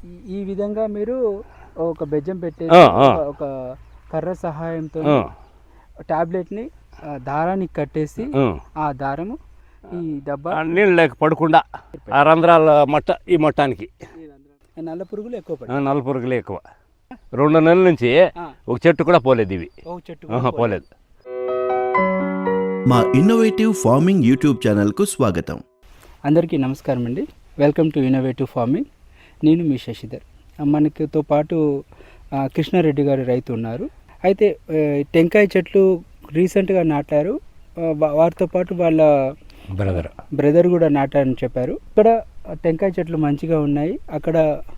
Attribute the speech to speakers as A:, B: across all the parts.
A: ఈ విధంగా మీరు ఒక బెజ్జం పెట్టేసి ఒక కర్ర సహాయంతో టాబ్లెట్ని దారానికి కట్టేసి ఆ దారము ఈ డబ్బా
B: నీళ్ళు లేక పడకుండా ఆ రంధ్రాల ఈ మొట్టానికి
A: నల్ల పురుగులు ఎక్కువ పడతాయి.
B: నల్ల పురుగులు ఎక్కువ 2 నెలల నుంచి ఒక చెట్టు కూడా పోలేదు ఇవి.
A: ఒక చెట్టు
B: పోలేదు.
C: మా ఇన్నోవేటివ్ ఫార్మింగ్ యూట్యూబ్ ఛానల్కు స్వాగతం.
A: అందరికీ నమస్కారం అండి. Welcome to innovative farming. నేను మీ శశిధర్. మనతో పాటు కృష్ణారెడ్డి గారి రైతు ఉన్నారు. అయితే టెంకాయ చెట్లు రీసెంట్గా నాటారు. వారితో పాటు వాళ్ళ బ్రదర్ కూడా నాటారని చెప్పారు. ఇక్కడ టెంకాయ చెట్లు మంచిగా ఉన్నాయి, అక్కడ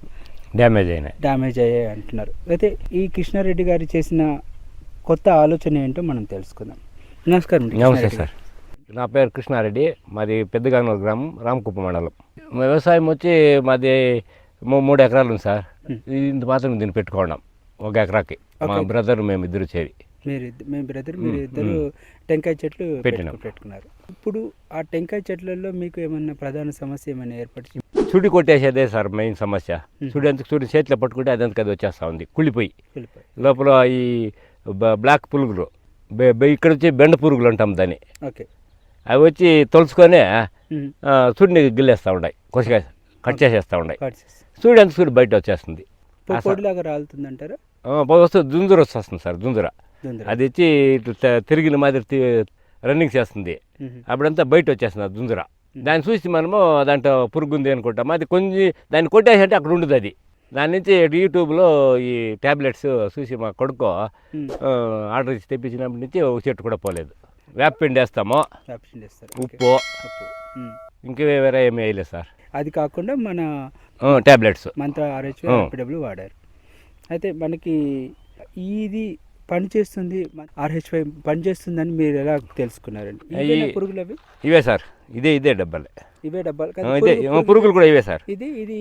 A: డ్యామేజ్ అయ్యాయి అంటున్నారు. అయితే ఈ కృష్ణారెడ్డి గారు చేసిన కొత్త ఆలోచన ఏంటో మనం తెలుసుకుందాం. నమస్కారం.
B: నమస్తే సార్. నా పేరు కృష్ణారెడ్డి. మాది పెద్దగానూరు గ్రామం, రామకుప్ప మండలం. వ్యవసాయం వచ్చి మాది 3 ఎకరాలు ఉంది సార్. ఇంత మాత్రం దీన్ని పెట్టుకోవడం 1 ఎకరాకి. మా బ్రదర్ మేము ఇద్దరు చేరి
A: మీరు ఇద్దరు టెంకాయ చెట్లు పెట్టుకున్నారు. ఇప్పుడు ఆ టెంకాయ చెట్లలో మీకు ఏమన్నా ప్రధాన సమస్య ఏమైనా ఏర్పడింది?
B: చుడి కొట్టేసేదే సార్ మెయిన్ సమస్య. చుడి చేతిలో పట్టుకుంటే అదంతా అది వచ్చేస్తూ ఉంది, కుళ్ళిపోయి. లోపల ఈ బ్లాక్ పురుగులు, ఇక్కడ వచ్చి బెండ పురుగులు అంటాం దాన్ని.
A: ఓకే.
B: అవి వచ్చి తొలుచుకొని చుడిని గిల్లేస్తూ ఉన్నాయి, కొద్దిగా కట్ చేసేస్తూ ఉన్నాయి. చుడి అంత చుడి బయట వచ్చేస్తుంది.
A: పొడిలాగా రాలుతుందంటారా?
B: వస్తుంది, జుంజుర వస్తుంది సార్. జుంజుర అది వచ్చి తిరిగిన మాదిరి రన్నింగ్ చేస్తుంది. అప్పుడంతా బయట వచ్చేస్తుంది ఆ జుంజుర. దాన్ని చూసి మనము దాంట్లో పురుగు ఉంది అనుకుంటాము. అది కొంచెం దాన్ని కొట్టేసి అంటే అక్కడ ఉండదు అది. దాని నుంచి యూట్యూబ్లో ఈ ట్యాబ్లెట్స్ చూసి మా కొడుకు ఆర్డర్ ఇచ్చి తెప్పించినప్పటి నుంచి ఒక చెట్టు కూడా పోలేదు. వేపపిండి వేస్తాము, ఉప్పు, ఇంక వేరే ఏమీ వేయలేదు సార్.
A: అది కాకుండా మన
B: ట్యాబ్లెట్స్
A: మంత్ర RHY వాడారు. అయితే మనకి ఇది పనిచేస్తుంది, RHY పనిచేస్తుందని మీరు ఎలా తెలుసుకున్నారండి? పురుగులు అవి
B: ఇవే సార్. ఇదే డబ్బాలే.
A: ఇవే డబ్బాలు
B: ఇదే పురుగులు కూడా ఇవే సార్.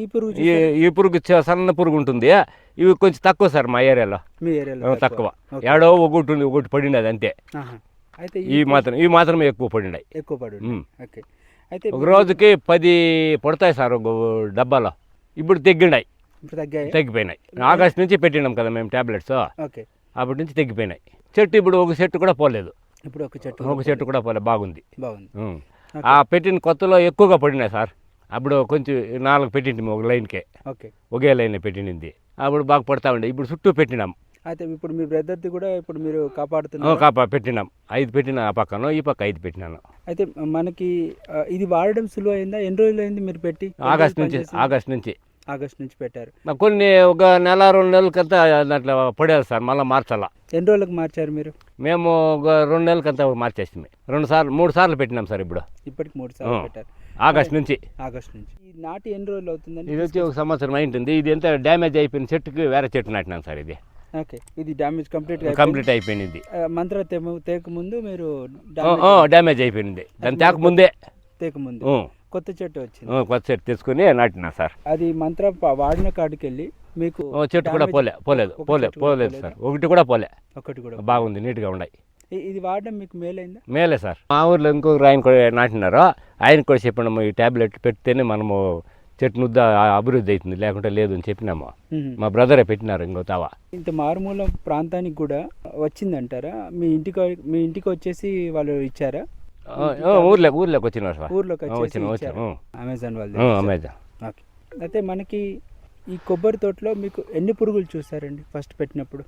B: ఈ పురుగు సన్న పురుగు ఉంటుంది. ఇవి కొంచెం తక్కువ సార్ మా ఏరియాలో.
A: మీ ఏరియాలో
B: తక్కువ. ఏడో ఒకటి పడినది అంతే.
A: అయితే
B: ఇవి మాత్రమే ఎక్కువ పడినాయి.
A: ఓకే. అయితే
B: ఒక రోజుకి 10 పడతాయి సార్ ఒక డబ్బాలో. ఇప్పుడు తగ్గిపోయినాయి. ఆగస్టు నుంచి పెట్టినాం కదా మేము ట్యాబ్లెట్స్.
A: ఓకే.
B: అప్పటి నుంచి తగ్గిపోయినాయి. చెట్టు ఇప్పుడు ఒక చెట్టు కూడా పోలేదు.
A: ఇప్పుడు ఒక చెట్టు
B: కూడా పోలేదు. బాగుంది. ఆ పెట్టిన కొత్తలో ఎక్కువగా పడినాయి సార్. అప్పుడు కొంచెం 4 పెట్టింది ఒక లైన్కే. ఒకే లైన్ పెట్టింది. అప్పుడు బాగా పడతా ఉండే. ఇప్పుడు చుట్టూ పెట్టినాం.
A: అయితే ఇప్పుడు మీ బ్రదర్ది కూడా ఇప్పుడు మీరు కాపాడుతున్నారు?
B: పెట్టినాం. 5 పెట్టినా ఆ పక్కన, ఈ పక్క 5 పెట్టినాను.
A: అయితే మనకి ఇది వాడడం సులువు అయిందా? ఎన్ని రోజులు అయింది మీరు పెట్టి? ఆగస్ట్ నుంచి పెట్టారు.
B: కొన్ని ఒక నెల 2 నెలలకంతా దాంట్లో పడేది సార్. మళ్ళీ మార్చాలా.
A: ఎన్ని రోజులకు మార్చారు మీరు?
B: మేము ఒక 2 నెలలకంతా మార్చేస్తాం. 3 సార్లు పెట్టినాం సార్.
A: ఇప్పటికి 3 సార్లు పెట్టారు.
B: ఆగస్ట్ నుంచి.
A: ఈ నాటి ఎన్ని రోజులు అవుతుందండి?
B: ఇది వచ్చి 1 సంవత్సరం అయింటుంది. ఇది ఎంత డ్యామేజ్ అయిపోయిన చెట్టుకి వేరే చెట్టు నాటినాం సార్.
A: ఓకే. ఇది డ్యామేజ్
B: కంప్లీట్ అయిపోయింది.
A: మంత్ర తేక ముందు మీరు
B: డ్యామేజ్ అయిపోయింది. దాని తేక ముందు
A: కొత్త చెట్టు వచ్చింది.
B: కొత్త చెట్టు తీసుకుని నాటినా సార్.
A: అది మంత్ర వాడిన కాడికి వెళ్ళి మీకు
B: చెట్టు కూడా పోలేదు సార్. ఒకటి కూడా బాగుంది, నీట్గా ఉన్నాయి.
A: ఇది వాడడం మీకు
B: మేలే సార్. మా ఊర్లో ఇంకొక ఆయన కూడా నాటినారు. ఆయన కూడా చెప్పినాము, ఈ ట్యాబ్లెట్ పెడితేనే మనము చెట్టు ముద్ద అభివృద్ధి అవుతుంది, లేకుంటే లేదు అని చెప్పినాము. మా బ్రదరే పెట్టినారు. ఇంకో తావా
A: ఇంత మారుమూల ప్రాంతానికి కూడా వచ్చిందంటారా? మీ ఇంటికి వచ్చేసి వాళ్ళు ఇచ్చారా?
B: ఊర్లోకి వచ్చినారు సార్.
A: అమెజాన్ వాళ్ళు. ఓకే. అయితే మనకి ఈ కొబ్బరి తోటలో మీకు ఎన్ని పురుగులు చూసారండి ఫస్ట్ పెట్టినప్పుడు?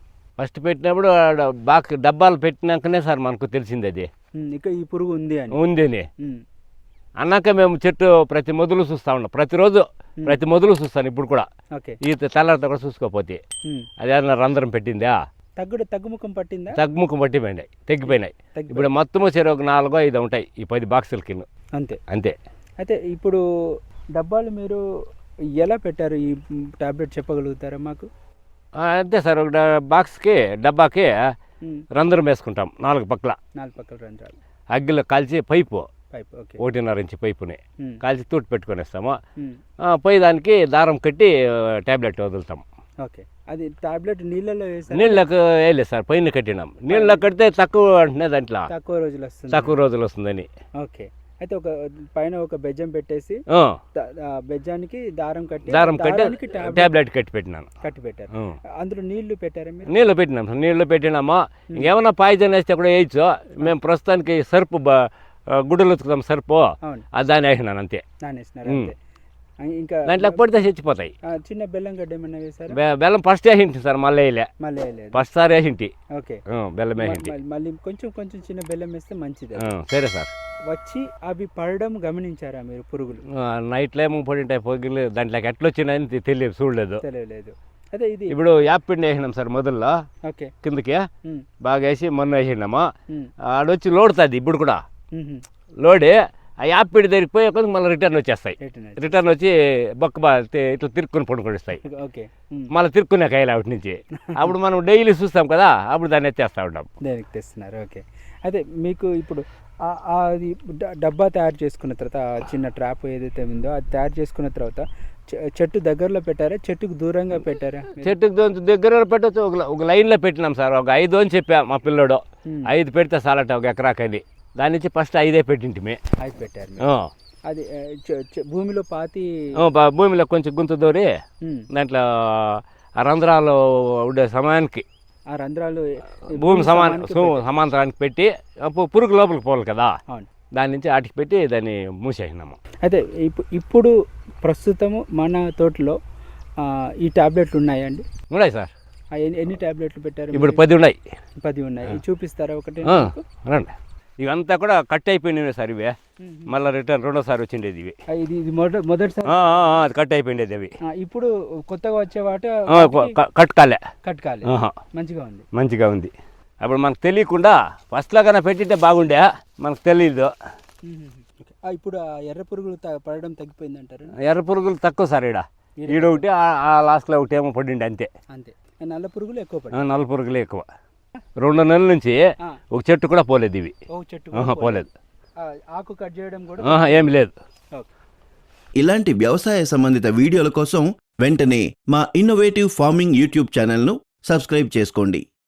B: బాగా డబ్బాలు పెట్టినాకనే సార్ మనకు తెలిసింది అది
A: ఇక ఈ పురుగు ఉంది
B: అని అన్నాక మేము చెట్టు ప్రతి మొదలు చూస్తా ఉన్నాం. ప్రతి మొదలు చూస్తాను ఇప్పుడు కూడా. ఈ తెల్లారితో కూడా చూసుకోపోతే అది ఏదైనా రంధ్రం పెట్టిందా,
A: తగ్గుముఖం పట్టిందా?
B: తగ్గుముఖం తగ్గిపోయినాయి. ఇప్పుడు మొత్తము సరే ఒక 4-5 ఉంటాయి ఈ 10 బాక్సుల కింద. అంతే.
A: అయితే ఇప్పుడు డబ్బాలు మీరు ఎలా పెట్టారు? ఈ టాబ్లెట్ చెప్పగలుగుతారా మాకు?
B: అంతే సార్. ఒక డబ్బాకి రంధ్రం వేసుకుంటాం 4 పక్కల
A: రంధ్రాలు.
B: అగ్గిలో కాల్చి పైపు 1.5 ఇంచు పైపుని కాల్చి తూటి పెట్టుకొని వేస్తాము. పై దానికి దారం కట్టి ట్యాబ్లెట్ వదులుతాం.
A: ఓకే. అది టాబ్లెట్
B: నీళ్ళకు వేయలేదు సార్, పైన కట్టినాం. నీళ్ళలో కడితే తక్కువ అంటే దాంట్లో
A: తక్కువ రోజులు
B: వస్తుందని.
A: ఓకే. అయితే ఒక పైన ఒక బెజ్జం పెట్టేసి
B: ఆ,
A: ఆ బెజ్జానికి దారం కట్టి
B: దారం కట్టి
A: దారానికి
B: ట్యాబ్లెట్ కట్టి పెట్టినాను.
A: కట్టి పెట్టారు.
B: ఆ.
A: అందులో నీళ్లు పెట్టారా మీరు?
B: నీళ్ళు పెట్టినాం సార్, నీళ్ళు పెట్టినామా. ఇంకేమన్నా పాయిజన్ వేస్తే కూడా వేయచ్చు. మేము ప్రస్తుతానికి సర్పు గుడ్డలు ఉతుకుతాం సర్పు,
A: అవును,
B: దాన్ని వేసినాను అంతే.
A: నానేసినారు అంతే. ఇంకా
B: దాంట్లో పడితే చచ్చిపోతాయి.
A: చిన్న బెల్లం గడ్డ ఏమన్నా వేసారా?
B: బెల్లం ఫస్ట్ వేసింటి సార్, మళ్ళీ వేయలే.
A: మళ్ళీ వేయలేదు.
B: First sir వేసింటి.
A: ఓకే,
B: బెల్లం వేసింటి.
A: మళ్ళీ కొంచెం కొంచెం చిన్న బెల్లం వేస్తే మంచిది.
B: సరే సార్.
A: వచ్చి అవి పడడం గమనించారా మీరు పురుగులు?
B: నైట్లో ఏమో పడింటాయి పొగిలి, దాంట్లోకి ఎట్లా వచ్చినాయని తెలియదు, చూడలేదు.
A: తెలియలేదు. అదే ఇది
B: ఇప్పుడు యాప్ పిండి వేసినాం సార్ మొదల్లో,
A: ఓకే,
B: కిందకి
A: ఉమ్,
B: బాగా వేసి మొన్న వేసినామా.
A: ఉమ్,
B: ఆడొచ్చి లోడుతుంది ఇప్పుడు కూడా.
A: ఉమ్,
B: లోడి ఆ యాప్ పిండి దగ్గరికి పోయి కొంచెం మళ్ళీ రిటర్న్ వచ్చేస్తాయి.
A: ఎటునది?
B: రిటర్న్ వచ్చి బొక్క ఇట్లా తిరుక్కుని పడుకొనిస్తాయి.
A: ఓకే, ఉమ్.
B: మళ్ళీ తిరుక్కునే కాయలు వాటి నుంచి. అప్పుడు మనం డైలీ చూస్తాం కదా, అప్పుడు దాన్ని ఎత్తేస్తూ ఉంటాం.
A: దేనికి తెస్తున్నారు? ఓకే. అదే మీకు ఇప్పుడు అది డబ్బా తయారు చేసుకున్న తర్వాత, ఆ చిన్న ట్రాప్ ఏదైతే ఉందో అది తయారు చేసుకున్న తర్వాత చెట్టు దగ్గరలో పెట్టారా, చెట్టుకు దూరంగా పెట్టారా?
B: చెట్టుకు దగ్గర పెట్టచ్చు. ఒక లైన్లో పెట్టినాం సార్. ఒక 5 అని చెప్పా మా పిల్లడు. 5 పెడితే చాలట ఒక ఎకరాకని. దాని నుంచి ఫస్ట్ 5 పెట్టింటిమి.
A: 5 పెట్టారు మీరు. అది భూమిలో పాతి
B: భూమిలో కొంచెం గుంత దూరి
A: ఉమ్,
B: దాంట్లో ఆ రంధ్రాలు ఉండే సమయానికి
A: ఆ రంధ్రాలు
B: భూమి
A: సమానానికి పెట్టారు.
B: సమాంతరానికి పెట్టి అప్పుడు పురుగు లోపలికి పోవాలి కదా,
A: అవును.
B: దాని నుంచి ఆటికి పెట్టి దాన్ని మూసేసినాము.
A: అయితే ఇప్పుడు ప్రస్తుతము మన తోటలో ఈ టాబ్లెట్లు ఉన్నాయండి?
B: ఉన్నాయి సార్.
A: ఎన్ని టాబ్లెట్లు పెట్టారు?
B: ఇప్పుడు 10 ఉన్నాయి.
A: 10 ఉన్నాయి. ఇవి చూపిస్తారా ఒకటి?
B: రండి. ఇవంతా కూడా కట్ అయిపోయినాయి సార్. ఇవే మళ్ళీ రిటర్న్ రెండోసారి వచ్చిండేది ఇవి.
A: ఇది మొదటిసారి
B: అది కట్ అయిపోయిండేది అవి.
A: ఇప్పుడు కొత్తగా వచ్చే వాటి
B: కట్ కాలే.
A: కట్ కాలే. మంచిగా ఉంది.
B: మంచిగా ఉంది. అప్పుడు మనకు తెలియకుండా ఫస్ట్లో కన్నా పెట్టింటే బాగుండే, మనకు తెలియదు.
A: ఇప్పుడు ఆ ఎర్ర పురుగులు పడడం తగ్గిపోయింది అంటారు?
B: ఎర్ర పురుగులు తక్కువ సార్. ఈడ ఒకటి, ఆ లాస్ట్లో ఒకటి ఏమో పడిండే అంతే.
A: అంతే. నల్ల పురుగులు ఎక్కువ పడ్డాయి.
B: నల్ల పురుగులే ఎక్కువ. 2 నెలల నుంచి ఒక చెట్టు కూడా పోలేదు ఇవి.
A: చెట్టు
B: పోలేదు.
A: ఆకు కట్ చేయడం కూడా
B: ఏమి లేదు.
C: ఇలాంటి వ్యవసాయ సంబంధిత వీడియోల కోసం వెంటనే మా ఇన్నోవేటివ్ ఫార్మింగ్ యూట్యూబ్ ఛానల్ను సబ్స్క్రైబ్ చేసుకోండి.